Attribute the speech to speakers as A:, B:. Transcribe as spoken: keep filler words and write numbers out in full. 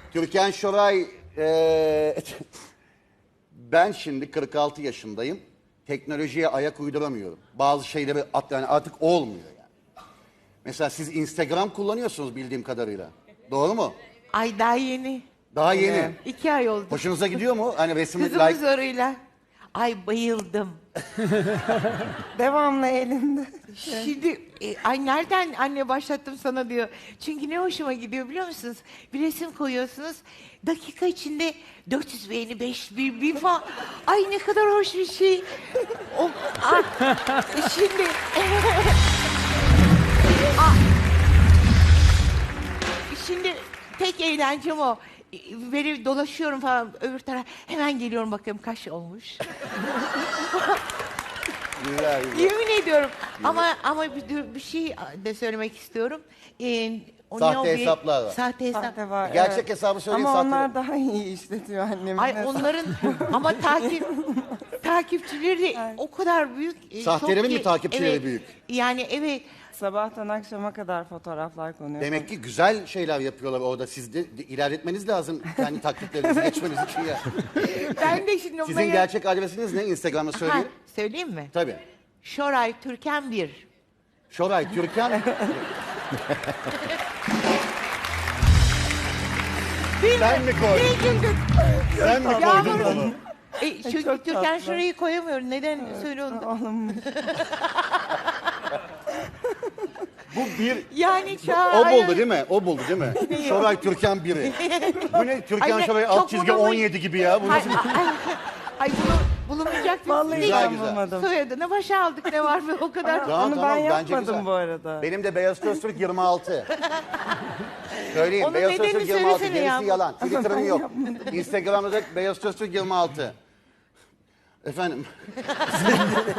A: Türkan Şoray, eee, ben şimdi kırk altı yaşındayım. Teknolojiye ayak uyduramıyorum. Bazı şeyleri at, yani artık olmuyor yani. Mesela siz Instagram kullanıyorsunuz bildiğim kadarıyla. Doğru mu?
B: Ay daha yeni.
A: Daha yeni.
B: İki ay oldu.
A: Hoşunuza gidiyor mu? Hani resim
B: Kızımın
A: like...
B: zoruyla. Ay bayıldım.
C: Devamlı elinde.
B: Şimdi e, ay nereden anne başlattım sana diyor. Çünkü ne hoşuma gidiyor biliyor musunuz? Bir resim koyuyorsunuz. Dakika içinde dört yüz beğeni, beş bin, bin falan. Ay ne kadar hoş bir şey. O, ah, şimdi... Ah. Şimdi tek eğlencem o. Böyle dolaşıyorum falan öbür taraf. Hemen geliyorum bakıyorum kaç olmuş.
A: Güzel, güzel.
B: Yemin ediyorum. Ama ama bir, bir şey de söylemek istiyorum. Ee, o
A: Sahte
B: ne o bir-
A: hesaplar var.
B: Sahte hesap.
C: Sahte var,
A: Gerçek
C: evet.
A: hesabı söyleyin,
C: Ama
A: sahte-
C: onlar daha iyi işletiyor annemin.
B: Ay
C: hesabı.
B: onların ama takip takipçileri de o kadar büyük. e,
A: Sahtelerin
B: çok
A: mi
B: ki-
A: takipçileri
B: evet,
A: büyük?
B: Yani evet.
C: Sabahtan akşama kadar fotoğraflar konuyor.
A: Demek ki güzel şeyler yapıyorlar orada. Siz de, de ilerletmeniz lazım. Yani taktiklerinizi geçmeniz için ya.
B: Ben de şimdi
A: Sizin
B: onları-
A: gerçek adresiniz ne? Instagram'da
B: Ha,
A: söyleyin.
B: söyleyeyim mi?
A: Tabii.
B: Şoray Türkan bir.
A: Şoray, Türkan. Sen mi koydun?
B: Niye güldün?
A: Sen mi koydun
B: Yağmur.
A: onu?
B: E, çünkü
C: çok
B: Türkan
C: tatlı.
B: Şoray'ı koyamıyorum. Neden? Söyle onu.
C: Oğlum
A: Bu bir...
B: Yani
A: O
B: Şoray.
A: buldu değil mi? O buldu değil mi? Şoray Türkan biri. Bu ne? Türkan
B: Ay ne-
A: Şoray
B: çok
A: alt çizgi
B: bulunmuş.
A: on yedi gibi ya. Bu
B: Ay,
A: nasıl?
B: ay, ay bunu bulunmayacak bir
C: vallahi
A: Güzel,
C: ben
A: güzel.
C: bulmadım.
B: soyadına başa aldık ne var mı o kadar.
A: Tamam,
C: Onu
A: tamam,
C: ben
A: bence
C: yapmadım
A: güzel.
C: bu arada.
A: Benim de Beyaz Öztürk yirmi altı. Söyleyeyim.
B: Onun
A: Beyaz
B: nedenini
A: Öztürk yirmi altı.
B: söylesene
A: Gerisi
B: ya.
A: yalan. Twitter'ın yok. Instagram'da da Beyaz Öztürk yirmi altı. Efendim.